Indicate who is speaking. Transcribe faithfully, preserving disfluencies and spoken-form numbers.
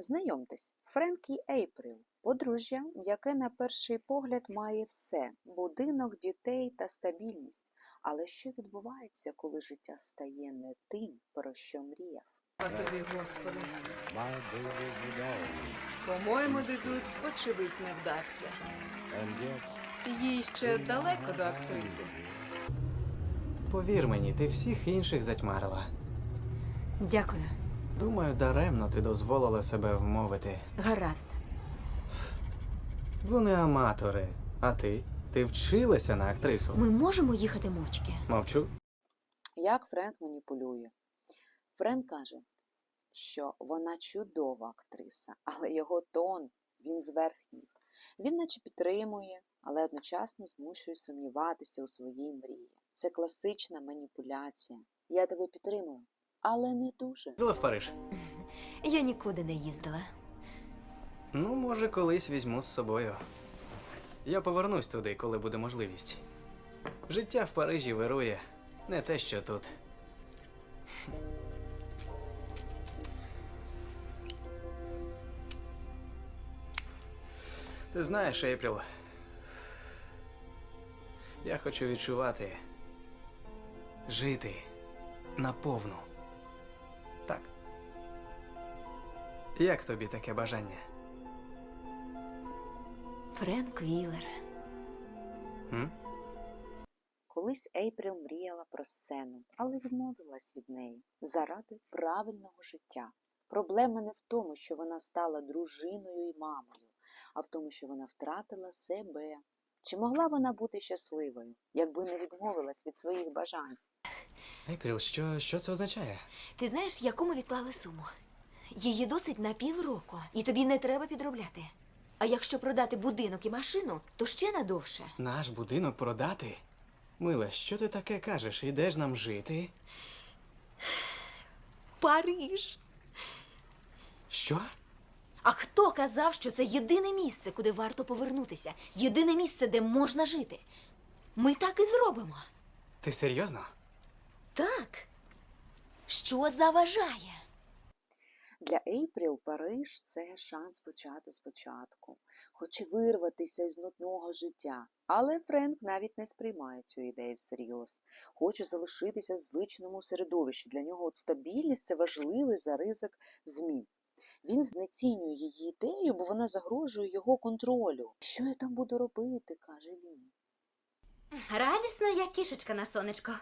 Speaker 1: Знайомтесь, Френк і Ейпріл – подружжя, яке на перший погляд має все – будинок, дітей та стабільність. Але що відбувається, коли життя стає не тим, про що мріяв?
Speaker 2: А тобі, Господи. По-моєму, дебют, очевидь, не вдався. Їй ще далеко до актриси.
Speaker 3: Повір мені, ти всіх інших затьмарила.
Speaker 4: Дякую.
Speaker 3: Думаю, даремно ти дозволила себе вмовити.
Speaker 4: Гаразд.
Speaker 3: Вони аматори. А ти? Ти вчилася на актрису.
Speaker 4: Ми можемо їхати мовчки?
Speaker 3: Мовчу.
Speaker 1: Як Френк маніпулює? Френк каже, що вона чудова актриса, але його тон, він зверхній. Він наче підтримує, але одночасно змушує сумніватися у своїй мрії. Це класична маніпуляція. Я тебе підтримую, але не дуже.
Speaker 3: Їздила в Париж?
Speaker 4: Я нікуди не їздила.
Speaker 3: Ну, може, колись візьму з собою. Я повернусь туди, коли буде можливість. Життя в Парижі вирує. Не те, що тут. Ти знаєш, Ейпріл, я хочу відчувати, жити наповну. Так. Як тобі таке бажання?
Speaker 4: Френк Віллер.
Speaker 3: М?
Speaker 1: Колись Ейпріл мріяла про сцену, але відмовилась від неї заради правильного життя. Проблема не в тому, що вона стала дружиною і мамою, а в тому, що вона втратила себе. Чи могла вона бути щасливою, якби не відмовилась від своїх бажань?
Speaker 3: Ейпріл, що, що це означає?
Speaker 4: Ти знаєш, яку ми відклали суму? Її досить на півроку, і тобі не треба підробляти. А якщо продати будинок і машину, то ще надовше.
Speaker 3: Наш будинок продати? Мила, що ти таке кажеш? Ідеш нам жити?
Speaker 4: Париж!
Speaker 3: Що?
Speaker 4: А хто казав, що це єдине місце, куди варто повернутися? Єдине місце, де можна жити? Ми так і зробимо.
Speaker 3: Ти серйозно?
Speaker 4: Так. Що заважає?
Speaker 1: Для Ейпріл Париж – це шанс почати спочатку. Хоче вирватися із нудного життя. Але Френк навіть не сприймає цю ідею всерйоз. Хоче залишитися в звичному середовищі. Для нього от стабільність – це важливий за ризик змін. Він знецінює її ідею, бо вона загрожує його контролю. «Що я там буду робити?» – каже він.
Speaker 4: Радісно, як кішечка на сонечко.